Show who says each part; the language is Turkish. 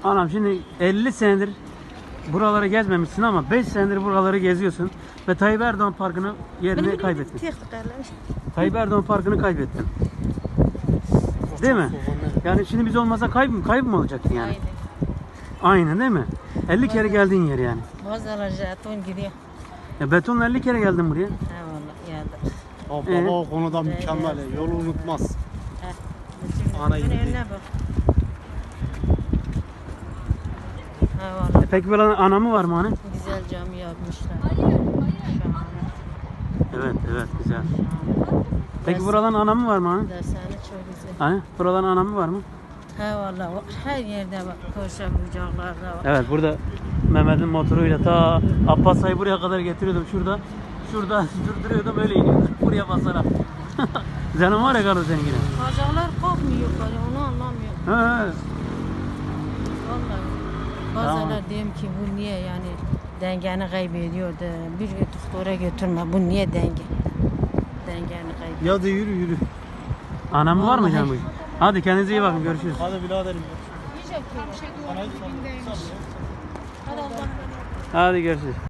Speaker 1: Anam şimdi 50 senedir buraları gezmemişsin ama 5 senedir buraları geziyorsun ve Tayyip Erdoğan Parkı'nı yerini kaybettin. Tayyip Erdoğan Parkı'nı kaybettin. Değil mi? Yani şimdi biz olmasa kayıp mı olacaktın yani? Aynen değil mi? 50 kere geldiğin yer yani.
Speaker 2: Bazıları jeton gidiyor.
Speaker 1: Ya betonla 50 kere geldin buraya.
Speaker 2: Ha vallahi
Speaker 3: Baba
Speaker 2: geldi.
Speaker 3: o konuda mükemmel. Yolu unutmaz. Ana
Speaker 2: Ana
Speaker 3: gibi değil.
Speaker 2: önüne bak. Ha vallahi
Speaker 1: Peki böyle anamı var mı hani?
Speaker 2: güzel cami yapmışlar. Şahane.
Speaker 1: Evet güzel. Peki buradan anamı var mı hani?
Speaker 2: Dershane çok güzel.
Speaker 1: Hani buradan anamı var mı?
Speaker 2: Ha vallahi var. Her yerde bak. Koşa bucaklarda var.
Speaker 1: Evet burada Mehmet'in motoruyla ta Abbasay'ı buraya kadar getiriyordum. Şurada durduruyordum öyle iniyordum. Buraya basarak. Canım var ya kardeş senin yine.
Speaker 2: Bacaklar kalkmıyor yukarı. Onu anlamıyorum.
Speaker 1: He.
Speaker 2: Vallahi. Bazıları diyorum ki bu niye yani dengeni kaybediyor da bir doktora götürme. Bu niye dengeni kaybediyor?
Speaker 3: Ya da yürü.
Speaker 1: Anamı var mı
Speaker 2: Vallahi.
Speaker 1: canım? Hadi kendinize iyi bakın görüşürüz.
Speaker 3: Hadi biraderim.
Speaker 2: Hadi Allah.
Speaker 1: Hadi görüşürüz.